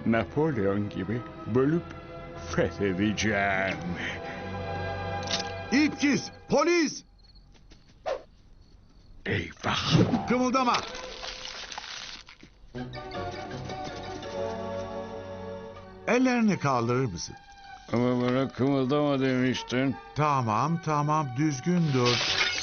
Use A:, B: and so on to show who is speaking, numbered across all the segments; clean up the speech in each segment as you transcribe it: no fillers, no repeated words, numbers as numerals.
A: Napolyon gibi bölüp fethedeceğim.
B: İpkiz! Polis!
A: Eyvah!
B: Kımıldama! Ellerini kaldırır mısın?
A: Ama bana kımıldama demiştin.
B: Tamam, düzgün dur.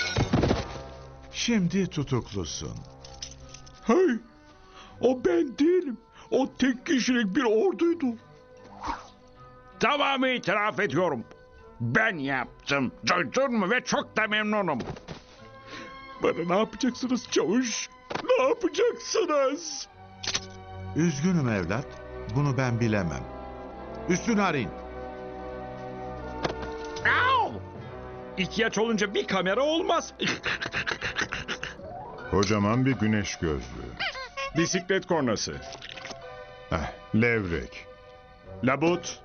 B: Şimdi tutuklusun.
A: Hey! O ben değilim. O tek kişilik bir orduydu. Tamamı itiraf ediyorum. Ben yaptım. Duydun mu? Ve çok da memnunum. Bana ne yapacaksınız çavuş? Ne yapacaksınız?
B: Üzgünüm evlat. Bunu ben bilemem. Üstünü arayın.
A: Au! İhtiyaç olunca bir kamera olmaz.
C: Kocaman bir güneş gözlüğü.
A: Bisiklet kornası.
C: Levrek.
A: Labut.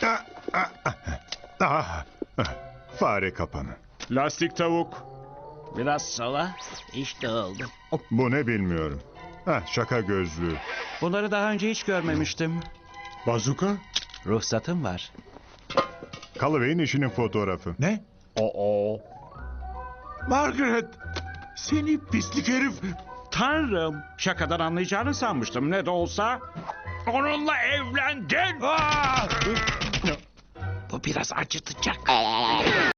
C: Fare kapanı.
A: Lastik tavuk.
D: Biraz sola. İşte oldu.
C: Bu ne bilmiyorum. Şaka gözlüğü.
D: Bunları daha önce hiç görmemiştim.
A: Bazuka.
D: Ruhsatım var.
C: Kalıbey'in işinin fotoğrafı.
B: Ne?
A: Oo.
B: Margaret! Seni pislik herif!
A: Tanrım. Şakadan anlayacağını sanmıştım. Ne de olsa onunla evlendin.
D: Bu biraz acıtacak.